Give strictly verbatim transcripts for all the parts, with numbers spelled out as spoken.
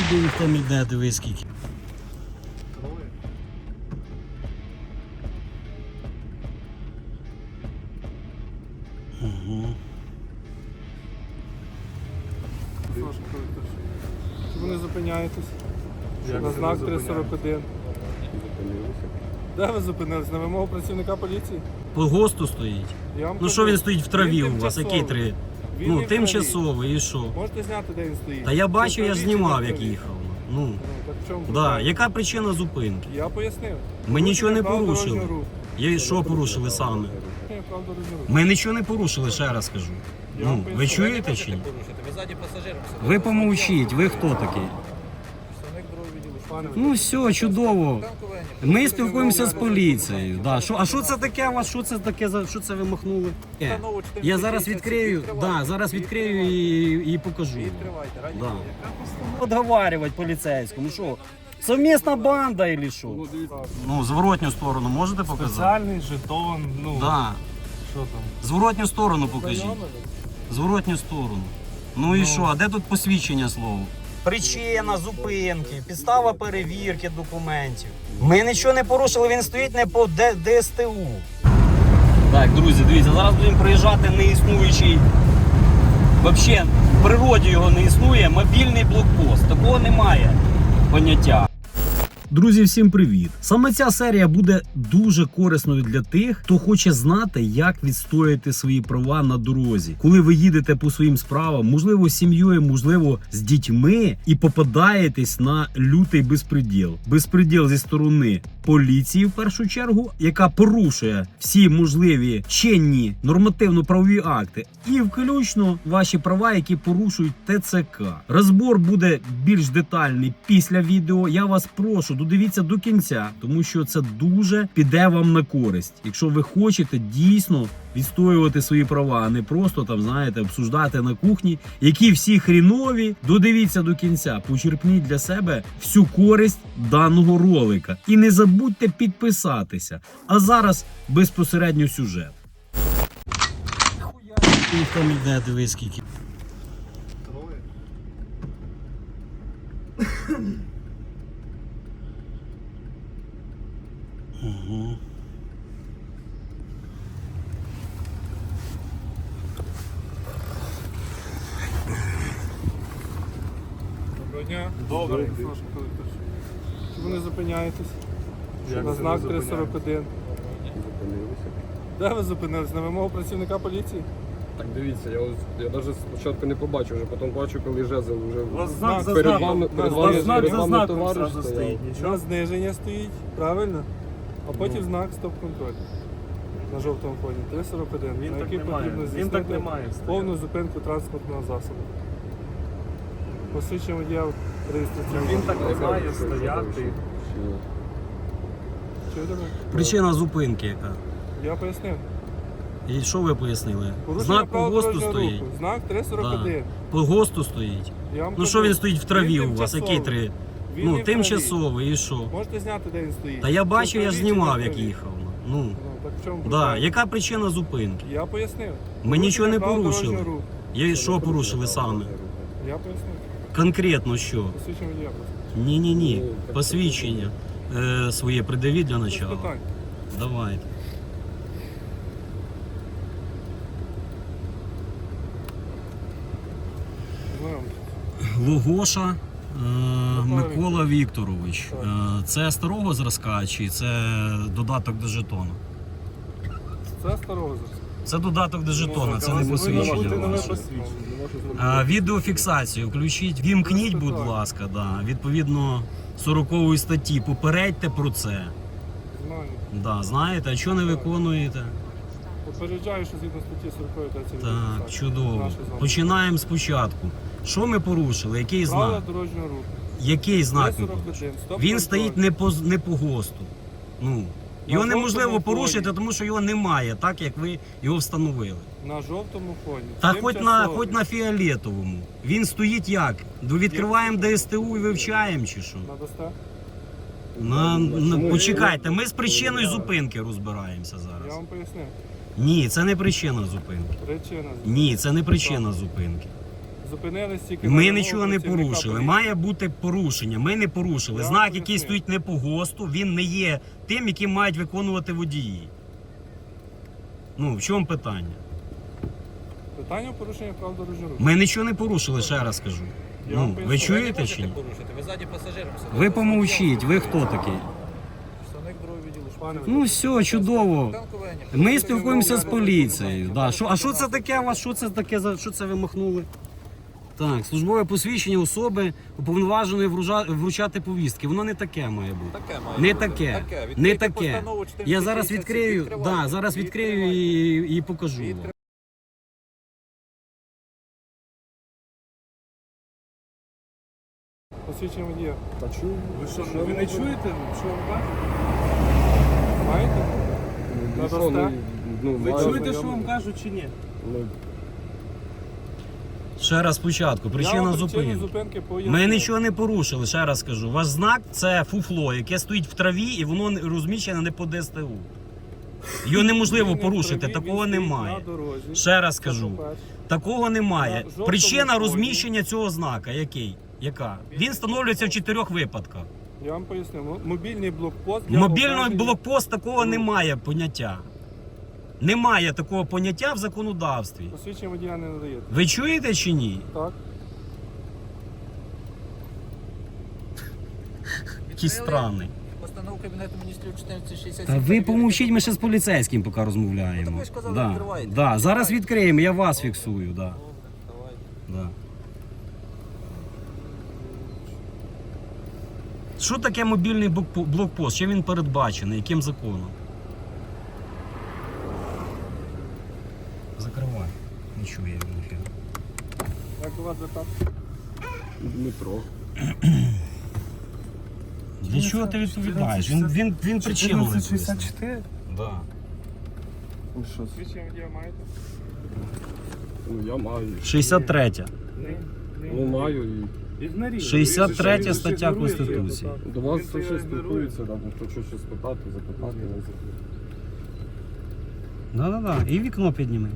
собі ніхто не йде, дивись скільки. Угу. Чому не зупиняєтесь? На знак три сорок один. Де ви зупинились? На вимогу працівника поліції? По ГОСТу стоїть. Я вам Ну кажу, що він стоїть в траві він у вас? Який тимчасовий. три? Він Ну, не в траві. тимчасовий, і що? Можете зняти, де він стоїть? Та я бачу, Чи в я ж траві, чи знімав, не в як траві? їхав. Ну, Ну, так в чому да. питання? Яка причина зупинки? Я пояснив. Ми нічого не Правила порушили. дорожнього руху. Я що порушили саме? Ні, правила дорожнього руху. Ми нічого не порушили, ще раз кажу. Я вам Ну, ви поясню. чуєте чи ні? Ви ззаді пасажиром сидите. Ви помовчіть, ви хто такий? Представник другого відділу. Пане, Ну все, чудово. Ми спілкуємося з поліцією. Да. Що, а що це таке у вас? Що це таке? за- Що це ви махнули? Е, Я зараз відкрию, да, зараз відкрию і, і покажу. відкривайте, раді Да. Бога. Подговаривать поліцейському, що? Совмісна банда или що? Ну, зворотню сторону можете показати? Спеціальний жетон, ну, Да. що там? Зворотню сторону покажіть. Зворотню сторону. Ну і що, а де тут посвідчення слово? Причина зупинки, підстава перевірки документів. Ми нічого не порушили, він стоїть не по Д С Т У. Так, друзі, дивіться, зараз будемо приїжджати неіснуючий, взагалі в природі його не існує, мобільний блокпост. Такого немає поняття. Друзі, всім привіт! Саме ця серія буде дуже корисною для тих, хто хоче знати, як відстояти свої права на дорозі. Коли ви їдете по своїм справам, можливо, з сім'єю, можливо, з дітьми, і попадаєтесь на лютий безпреділ. Безпреділ зі сторони поліції, в першу чергу, яка порушує всі можливі чинні нормативно-правові акти, і включно ваші права, які порушують Т Ц К. Розбор буде більш детальний після відео. Я вас прошу, додивіться до кінця, тому що це дуже піде вам на користь. Якщо ви хочете дійсно відстоювати свої права, а не просто там, знаєте, обсуждати на кухні, які всі хрінові, додивіться до кінця, почерпніть для себе всю користь даного ролика. І не забудьте підписатися. А зараз безпосередньо сюжет. Ніхто не йде, дивись скільки. Угу. Доброго дня. Добре. Чому не зупиняєтесь? На знак три сорок один. Де ви зупинились? На вимогу працівника поліції? Так дивіться, я ось я навіть спочатку не побачив, вже потім бачу, коли жезл вже знак за перед знаком. вами, У перед нас вами, знак перед за вами знаком товариш зразу стояв. стоїть. Нічого, зниження стоїть, правильно? А потім знак стоп-контроль. На жовтому фоні. три сорок один. Він на так який не має. потрібно Він так здійснити не має стояти. повну зупинку транспортного засобу. Посвідчення водія реєстраційного. Він так не Яка має причина стояти. Чи- Чуєте мене? Причина зупинки яка? Я пояснив. І що ви пояснили? Порушення Знак по правил ГОСТу дорожнього стоїть. руху. Знак три сорок один. По ГОСТу стоїть. Я вам Ну кажу, що він стоїть в траві він у вас? Який тимчасовий. три? Він Ну, не в траві. тимчасовий, і що? Можете зняти, де він стоїть. Та я Чи бачу, в я ж траві, чи знімав, не в як траві. їхав. Ну, Ну, так в чому да. питання? Яка причина зупинки? Я пояснив. Ми нічого не Порушення правил порушили. дорожнього руху. Я і що порушили саме? Я пояснив. Конкретно що? Посвідчення водія просто. Ні-ні-ні. Посвідчення е, своє придавіть для Без начала. питань. Давайте. Знайомтесь. Логоша е, Микола Вікторович. Е, це старого зразка чи це додаток до жетона? Це старого зразка. Це додаток до жетона, це не Повинно бути посвідчення нове ваше. посвідчення. Е, Відеофіксацію включіть, вімкніть, будь ласка, да, відповідно сорокової статті. Попередьте про це. Знаю. Да, знаєте, а чого не виконуєте? Попереджаю, що згідно статті сорокової та це Так, відеофіксація. чудово. Наші з вами. Починаємо спочатку. Що ми порушили? Який Правила знак? дорожнього руху. Який знак ми сорок один. порушили? Стоп Він контроль. стоїть не по, не по ГОСТу. Ну, його На неможливо жовтому порушити, фоні. тому що його немає, так як ви його встановили. На жовтому фоні. Та хоч на, Тимчасовий. хоч на фіолетовому. Він стоїть як? Відкриваємо Д С Т У і вивчаємо чи що? Надасте? На, на, Чому? почекайте, ми з причиною зупинки розбираємося Я зараз. вам пояснив. Ні, це не причина зупинки. Причина. Ні, це не причина зупинки. Зупинились тільки Ми на нічого не працівника порушили. поліції. Має бути порушення. Ми не порушили. Я Знак, вам який поясню. стоїть не по ГОСТу, він не є тим, яким мають виконувати водії. Ну, в чому питання? Питання порушення прав дорожнього руху. Ми нічого не порушили, ще раз кажу. Я вам Ну, поясню. ви Ви не чуєте можете чи ні? порушити, ви ззаді пасажиром сидите. Ви помовчіть, ви хто такий? Представник другого відділу Пане, Ну все, чудово. Танкування. Ми спілкуємося з поліцією. Да. Що, а що це таке у вас? Що це таке? за- Що це ви махнули? Так, службове посвідчення особи уповноваженої вружа- вручати повістки. Воно не таке має бути. Таке має Не бути. таке. Таке. Не Відкрийте таке. постанову чотириста Я зараз шістдесят сім, відкрию, відкривайте. да, зараз відкрию Відкривайте. і, і покажу вам. Відкривайте. Посвідчення водія. Та чую. Ви що, Що ви не ви- чуєте, що вам кажуть? Маєте? Ну, Та що, досте? ну, ну, Ви маю чуєте, що знайомих. вам кажуть чи ні? Ну, Ще раз спочатку. Я Причина вам причину зупинки. зупинки поясню. Ми нічого не порушили, ще раз кажу. Ваш знак це фуфло, яке стоїть в траві і воно не- розміщене не по ДСТУ. Його неможливо Він не порушити, вправі, такого він стоїть немає. на дорозі. Ще раз Це кажу, по-перше. такого немає. На жовтому Причина фоні. розміщення цього знака який? Яка? Він встановлюється в чотирьох випадках. Я вам поясню. М- Мобільний блокпост. для Мобільний обмеження- блокпост такого Ну. немає поняття. Немає такого поняття в законодавстві. Посвідчення водія не надаєте. Ви чуєте чи ні? Так? Який странний. Постанову Кабінету міністрів чотирнадцять шістдесят Та сім. ви помовчіть, ми ще з поліцейським поки Ну, розмовляємо. так ви ж казали, Да, відкривайте. да. Зараз Відкривайте. відкриємо, я вас фіксую. Да. Добре, давайте. Да. Що таке мобільний блокпо- блокпост? Чим він передбачений? Яким законом? Закривай. Не чує він ефір. Як до вас звертатися? Дмитро. Для чого ти відповідаєш? Він, він, він причину не пояснив. чотирнадцять шістдесят чотири? Да. Ну, що? Посвідчення водія маєте? Ну, я маю. шістдесят третя. Ну, маю і Ігноріруйте. шістдесят третя Ви ж стаття ігноруєте Конституції. його, так. до вас Він все це ще ігнорує. спілкуються, там, хочу щось спитати, запитати. не запитати. Да-да-да. І вікно підніми.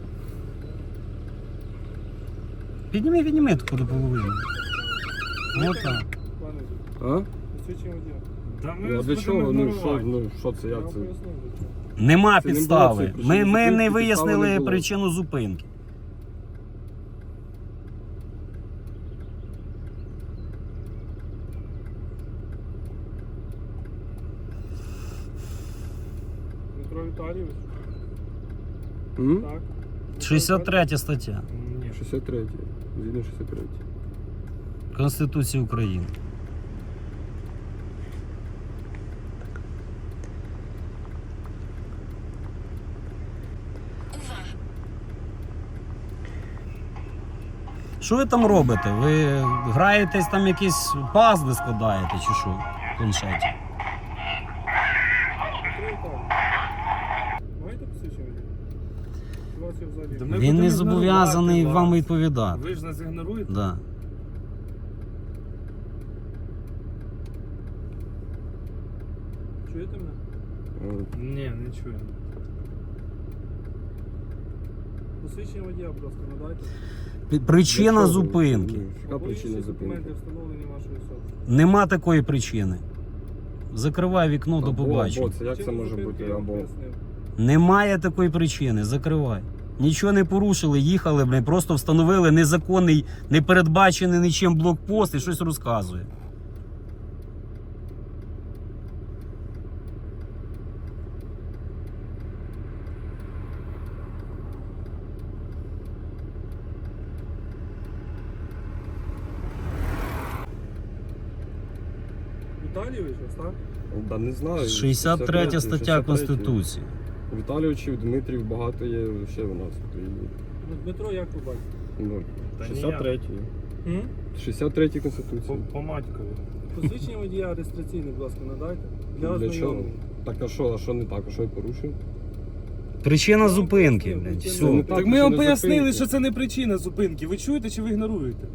Підніми, підніми таку до половини. Отак. Пане, А? посвідчення водія. Ну, а для чого? Ну, що, ну, що це, Я як вам це? пояснив, для чого. Нема Це не було підстави. цієї Ми, причини ми не зупинки, підстави вияснили не було. причину зупинки. Дмитро Віталійович? М? Так. шістдесят третя стаття Ні. шістдесят третє. Згідно шістдесят третє. Конституції України. Що ви там робите? Ви граєтесь там якісь пазли складаєте чи що в планшеті? Дмитро Віталійович. Маєте посвідчення водія? У вас є взагалі. Ми Він будемо не зобов'язаний ігнорувати вам вас. відповідати. Ви ж нас ігноруєте? Да. Чуєте мене? Е, Ні, не чуємо. Посвідчення водія, будь ласка, надайте. Пі- Причина для чого? зупинки. Ну, Яка Або причина інші зупинки? документи встановлені вашої особи. Нема такої причини. Закривай вікно, до Або, побачення. або, це як це Причину може зупинки бути? я вам Або. пояснив. Немає такої причини. Закривай. Нічого не порушили, їхали, блін, просто встановили незаконний, не передбачений нічим блокпост і щось розказує. Віталійович, ось так? Да, не знаю. шістдесят третя стаття шістдесят третя. Конституції. Віталійовичів, Дмитрів багато є ще у нас. в Україні. Ну, Дмитро, як ви бачите? Ну, Та шістдесят третій. М? шістдесят третій По, Конституції. по матькові. Посвідчення водія реєстраційне, будь ласка, надайте. Для Для чого? ознайомлення. Так а що, а що не так? А що я порушив? Причина зупинки, пояснив, блядь. причина Все. Так, Так ми вам причина пояснили, зупинки. що це не причина зупинки. Ви чуєте чи ви ігноруєте?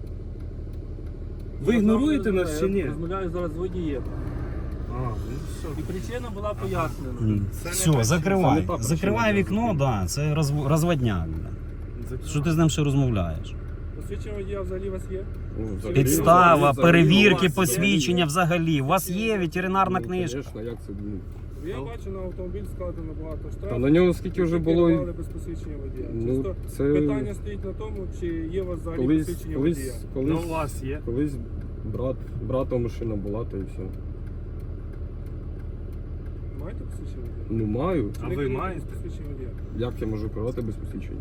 Ви Я ігноруєте зараз нас чи ні? Я розмовляю зараз з водієм. А, ну все. І причина була пояснена. М, Це не Все, причина, закривай. це не та причина Закривай для вікно, зупинки. да, це розв- розводняк. блядь. Закривай. Що ти з ним ще розмовляєш? Посвідчення водія взагалі у вас є? Ну, взагалі- Підстава, взагалі- перевірки, взагалі- посвідчення взагалі. У вас є ветеринарна Ну, книжка. Звісно, як це? Ну, Я бачу, на автомобіль складено багато штрафів. Та на нього скільки вже було. Керували без посвідчення водія. Ну, Чисто це питання стоїть на тому, чи є у вас взагалі колись, посвідчення колись, водія. Ну, у колись, вас є. колись брат, брата машина була, та і все. Маєте посвідчення водія? Ну маю. А Чи ви керуєте маєте? без посвідчення водія? Як я можу керувати без посвідчення?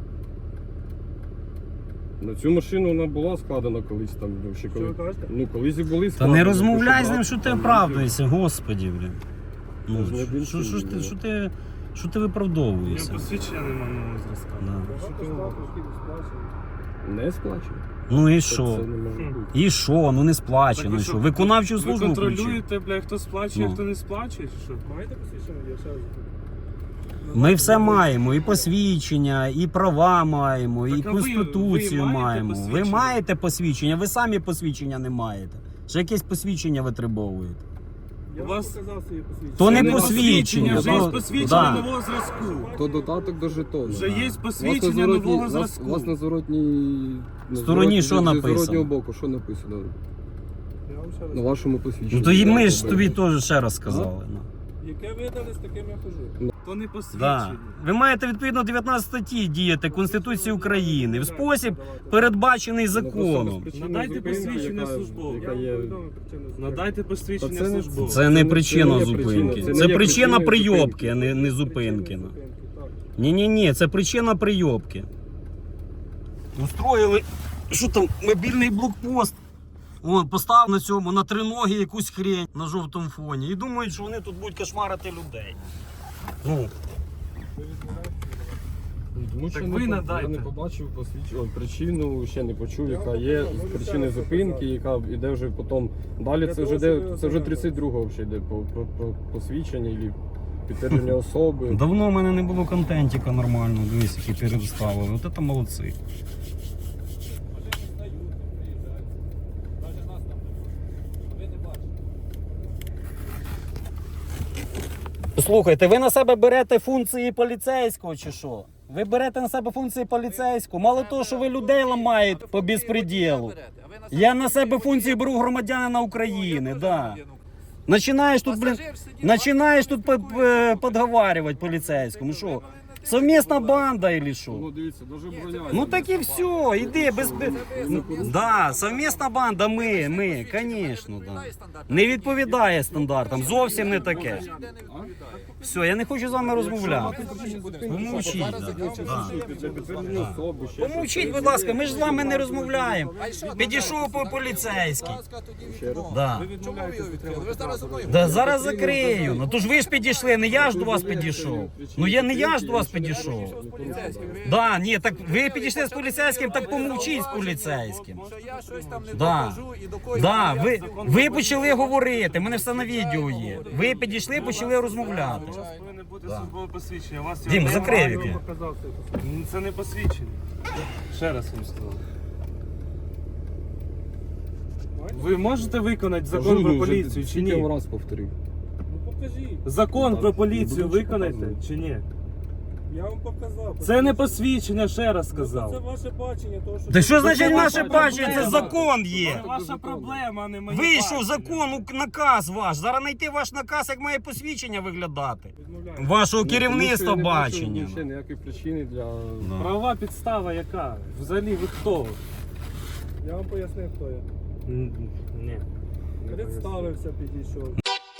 На цю машину вона була складена колись там. Ще Що коли... ви кажете? Ну колись і були Та складені. не розмовляй з брат ним, що ти там оправдуєшся, господі, блін. Та ж не Ну, один що, що, ж ти, сильний, що ти, що ти У нього виправдовуєшся? посвідчення немає нового зразка. Да. Багато штрафів, які не сплачені. Не сплачує. Ну і Це, що? це не може бути. І що? Ну не Так сплачено. ви Що? що, Виконавчу Ви службу включив. контролюєте, бля, хто сплачує, Ну. хто не сплачує, чи що? Маєте посвідчення водія? Ще раз запитую. Ми все маємо, і посвідчення, і права маємо, і Так, а ви- конституцію ви маєте маємо. Ви посвідчення? маєте посвідчення, ви самі посвідчення не маєте. Ще якесь посвідчення витребовуєте. Я У вам вас- показав своє посвідчення. То не Це посвідчення, вже є то- посвідчення да. нового зразку. То дотаток до жетону. Вже є У вас на посвідчення зворотній- нового у вас- зразку. У вас на зворотній... на Стороні зворотній- що зі написано? зворотнього боку, що написано? Я вам ще раз. На вашому посвідченні. Ну то і ми ж Як тобі ви- теж ще раз сказали. Ну. Яке видали, з таким я хожу. То не Да. посвідчення. Ви маєте відповідно дев'ятнадцятій статті діяти Конституції України в спосіб, передбачений Ну, просто без законом. причини Надайте зупинки, посвідчення яка- службове. Я яка вам є- повідомив причину зупинки. Надайте Та посвідчення це не- службове. Це не це причина не є зупинки. причина, Це це не є причина причиною прийобки, зупинки. а не, не Причини зупинки. ну. зупинки, так. Ні-ні-ні, це причина прийобки. Устроїли, що там, мобільний блокпост. Вон, постав на цьому, на триногі якусь хрень на жовтому фоні. І думають, що вони тут будуть кошмарити людей. Ну, Тому що Так не ви по- надайте. Я не побачив посвідчення, ой, причину, ще не почув, яка є з причини зупинки, яка йде вже потім. Далі це вже йде, це вже тридцять другого вже йде по, по, по посвідчення і підтвердження особи. давно в мене не було контентіка нормального, дивись, які переставили. От це молодці. Машини стають, приїжджають. Навіть нас там не було. Ви не бачите. Слухайте, ви на себе берете функції поліцейського чи що? Ви берете на себе функції поліцейського. Мало того, що ви людей ламаєте по безпреділу. Я на себе функції беру громадянина України, да. Начинаєш тут, блин, начинаєш тут по- по- подговаривать поліцейському. Що? Совмісна банда или Ну що? дивіться, дуже броня. Ну так і все, іди без... без- Да, совмісна банда, ми, ми, звісно, да. Не відповідає стандартам, зовсім не таке. Все, я не хочу з вами розмовляти. Помовчіть, да. Для підтвердження особи, ще Помовчіть, будь ласка, ми ж з вами не розмовляємо. Підійшов по поліцейський. Да. Чому ви його відкрили? Ви зараз зі мною. Да зараз закрию. Ну то ж ви ж підійшли, не я ж до вас підійшов. Ну я не я ж до вас підійшов. Да, ні, так ви підійшли з поліцейським, так помовчіть з поліцейським. Що я щось там не Да. докажу і до когось. Да, я ви, закон ви не почали говорити, в мене все на відео є. Ви підійшли, почали розмовляти. У вас повинно бути Да. службове посвідчення. У вас Дім, його закрий немає. віки. Показав своє посвідчення. Ну, це не посвідчення. Ще раз вам сказав. Ви можете виконати закон Кажу, про ну, вже поліцію чи скільки ні? раз повторив. Ну покажіть. Закон Так, про ну, поліцію будемо виконаєте показувати. чи ні? Я вам показав. Це не посвідчення, ще раз Це сказав. ваше бачення, того, що... Та що значить це наше ваша бачення? Це проблема. закон Це є. ваша проблема, а не моє Вийшов бачення. закон, у- наказ ваш. Зараз знайти ваш наказ, як має посвідчення виглядати. Відмовляю. Вашого Ну, тому що керівництва я не бачу бачення. Ще ніякої причини для... Правова підстава яка? Взагалі ви хто? Я вам пояснив, хто я. Н- Ні. Представився, підійшов.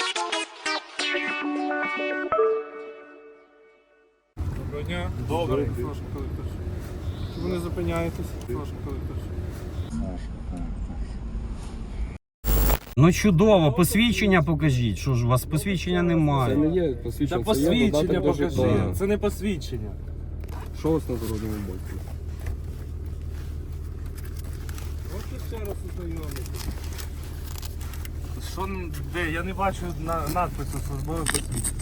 Доброго дня. Добре. Саша Колектор. Чому не зупиняєтесь? Саша Колектор. Ну чудово, посвідчення покажіть. Що ж, у вас посвідчення Це немає. не є Та посвідчення, це є посвідчення додаток до покажи. жетону. Це не посвідчення. Що у вас на дорожньому боці? От тут ще раз ознайомитися. Що н- де? Я не бачу на надпису службове посвідчення.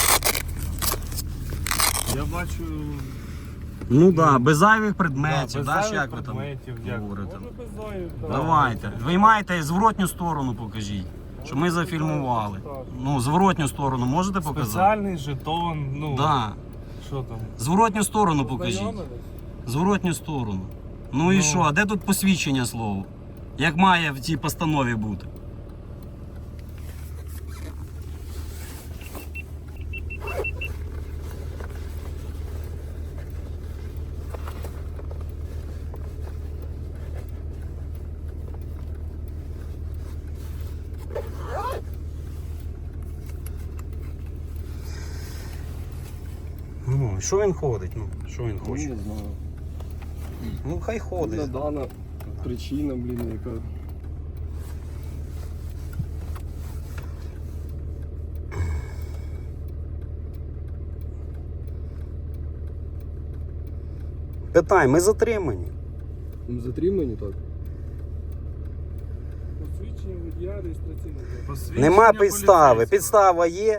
Я бачу Ну так, да, без зайвих да, предметів, без да, зайвих як ви там предметів, дякую. говорите. Може без заю. так. Давайте. Ви маєте зворотню сторону покажіть, щоб ми зафільмували. Ну, зворотню сторону можете показати? Спеціальний жетон, ну Да. що там? Зворотню сторону покажіть. Ознайомились? Зворотню сторону. Ну і що, а де тут посвідчення слово? Як має в цій постанові бути? Ну, що він ходить? Ну, що він Ну, хоче? не знаю. Ну, хай ходить. Надана причина, блін, яка. Питай, ми затримані. Ну, затримані так. Посвідчення водія реєстраційного. Нема підстави. Підстава є.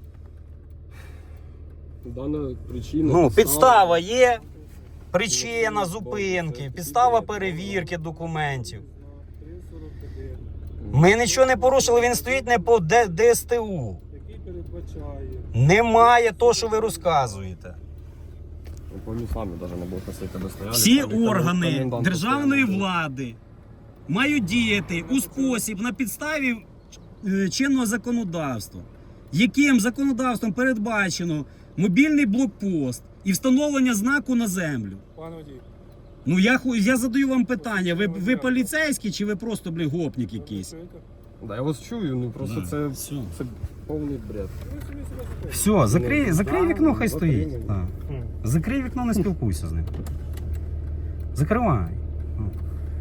Дана причина. Ну, підстава є. Причина зупинки, підстава перевірки документів. три сорок один, Ми нічого не порушили, він стоїть не по Д- ДСТУ. який передбачає. Немає того, що ви розказуєте. Ну, помню, самі навіть не було носити тебе стояли. Всі там, і органи комендант державної постоянно. влади мають діяти у спосіб на підставі е, чинного законодавства, яким законодавством передбачено мобільний блокпост і встановлення знаку на землю. Пане водій, Ну я ху- я задаю вам питання: ви, ви поліцейські чи ви просто блін, гопник якийсь? чуєте? Да, я вас чую, ну просто Да, це, все. це повний бред. Ви собі себе закрили. Все, закрий, закрий вікно, хай стоїть. Затриманий. Так. Закрий вікно, не спілкуйся з ним. Закривай. Ну.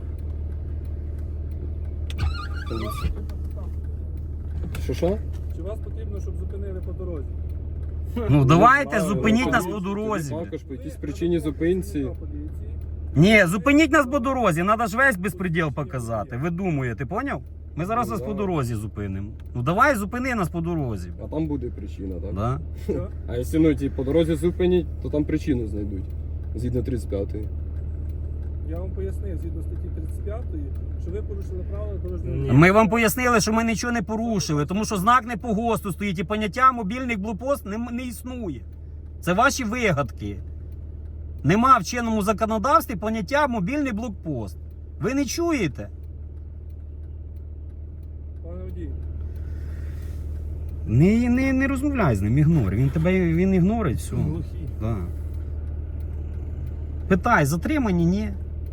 Що що? Чи вас потрібно, щоб зупинили по дорозі? Ну давайте, знаю, зупиніть ну, нас тоді- по дорозі. тоді Також по якійсь причині зупинці. Поліції. Ні, зупиніть нас по дорозі, треба ж весь безпреділ показати. Ви думаєте, поняв? Ми зараз вас по дорозі зупинимо. Ну давай, зупини нас по дорозі. А там буде причина, так? Да? Що? А якщо ну, ті, по дорозі зупинять, то там причину знайдуть. Згідно тридцять п'ятої. Я вам пояснив, згідно статті тридцять п'ятої, що ви порушили правила дорожнього руху. Ми вам пояснили, що ми нічого не порушили, тому що знак не по ГОСТу стоїть і поняття мобільних блокпост не, не існує. Це ваші вигадки. Нема в чинному законодавстві поняття мобільний блокпост. Ви не чуєте? Пане водій, Не, не, не розмовляй з ним, ігнор. Він тебе він ігнорить, все. глухий. Да. Питай, затримані, ні.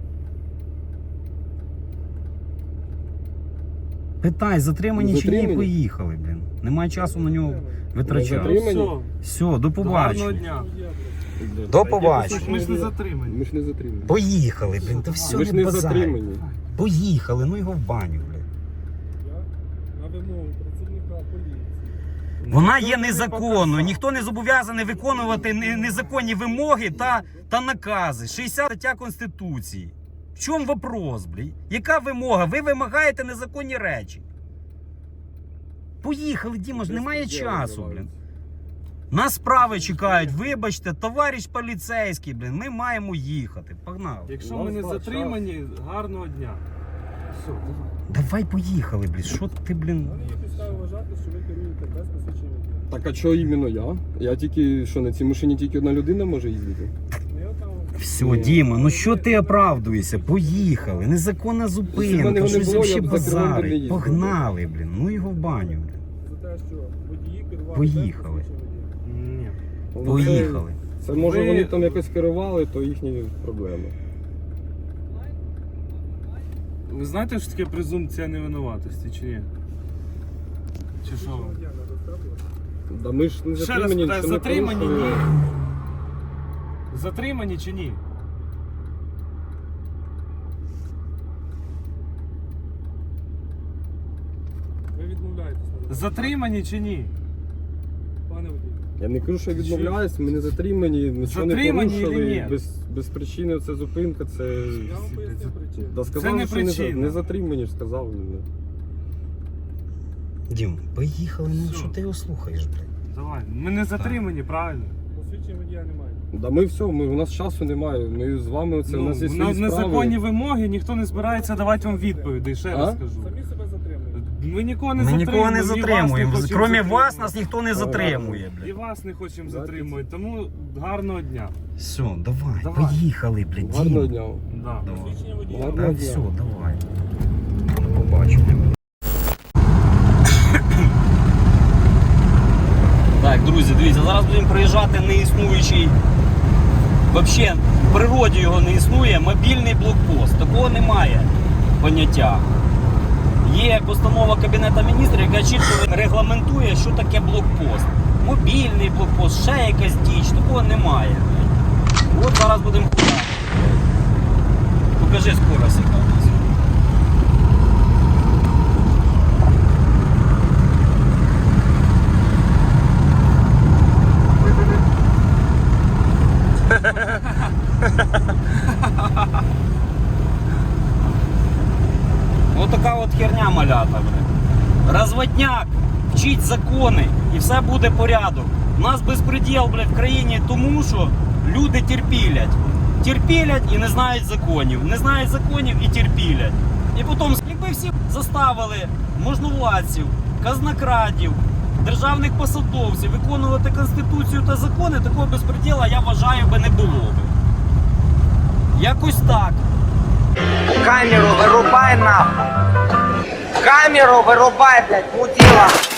Питай, затримані чи ні, Затримані? поїхали, блін. Немає часу на нього витрачати. Затримані? Все, до Гарного побачення. дня. До побачення. Ми ж не затримані. Ми ж не затримані. Поїхали, блін, то все Ми ж не не базарь. затримані. Поїхали, ну його в баню, блін. Я на вимогу працівника поліції. Вона є незаконною. Ніхто не зобов'язаний виконувати не- незаконні вимоги та, та накази. шістдесята стаття Конституції. В чому вопрос, блін? Яка вимога? Ви вимагаєте незаконні речі. Поїхали, Діма, ж немає часу, блін. Нас справи чекають, вибачте, товариш поліцейський, блін, ми маємо їхати. Погнали. Якщо У ми нас не так, затримані, гарного дня. Все, давай. Давай поїхали, блін. Що ти, блін? У мене є підстави вважати, що ви керуєте без посвідчення водія. Так а чого іменно я? Я тільки, що на цій машині тільки одна людина може їздити? Ну, я там... Все, Діма, ну що ти оправдуєшся? Поїхали. Незаконна Якщо б зупинка, мене не щось було, взагалі я б за кермом би не базари. їздив. Погнали, блін. Ну його в баню, блін. За те, що водії керували Поїхали. без посвідчення водія. Ні. Ну, Поїхали. Це, це може Ви- вони там якось керували, то їхні проблеми. Ви знаєте, що таке презумпція невинуватості, чи ні? Чи що? Водія не розставили. Да ми ж не Ще раз затримані, питаю, що не затримані, порушили. ні? Затримані чи ні? Ви відмовляєтесь. на Затримані чи ні? Пане водій. Я не кажу, що я відмовляюсь, ми не затримані, нічого не Затримані порушили. чи ні? Без, без причини це зупинка, це. Я вам поясню причину. Да, сказали, Це не що не, за- причина. не затримані, ж сказав. Ну, Дім, поїхали, ну Все. що ти його слухаєш, блін? Давай. Ми не затримані, правильно? Посвідчення водія немає. Да ми все, ми, у нас часу немає. Ми з вами оце, у Ну, нас є свої на справи. незаконні вимоги ніхто не збирається давати вам відповіді, ще А? раз кажу. Самі себе затримуєте. Ми нікого не Ми затримуємо. нікого не і вас затримуємо. хочемо Крім вас, затримувати. нас ніхто не затримує, І блядь. вас не хочемо затримувати, тому гарного дня. Все, давай, Давай. поїхали, блядь. Гарного Дім. дня. Да. Давай. Посвідчення водія. Гарного Так, дня. все, давай. До побачення. Так, друзі, дивіться, зараз будемо проїжджати неіснуючий, взагалі в природі його не існує, мобільний блокпост. Такого немає поняття. Є постанова Кабінету Міністрів, яка чітко регламентує, що таке блокпост. Мобільний блокпост, ще якась діч, такого немає. От зараз будемо ходити. Покажи скорость, яка у нас. Ось така от херня малята, блядь. Розводняк, вчіть закони і все буде порядок. У нас безпреділ, блядь, в країні тому, що люди терпілять. Терпілять і не знають законів. Не знають законів і терпілять. І потім, якби всі заставили можновладців, казнокрадів, державних посадовців виконувати Конституцію та закони, такого безпреділа, я вважаю, би не було би. Якось так. Камеру вырубай нахуй. Камеру вырубай, блядь, мудила.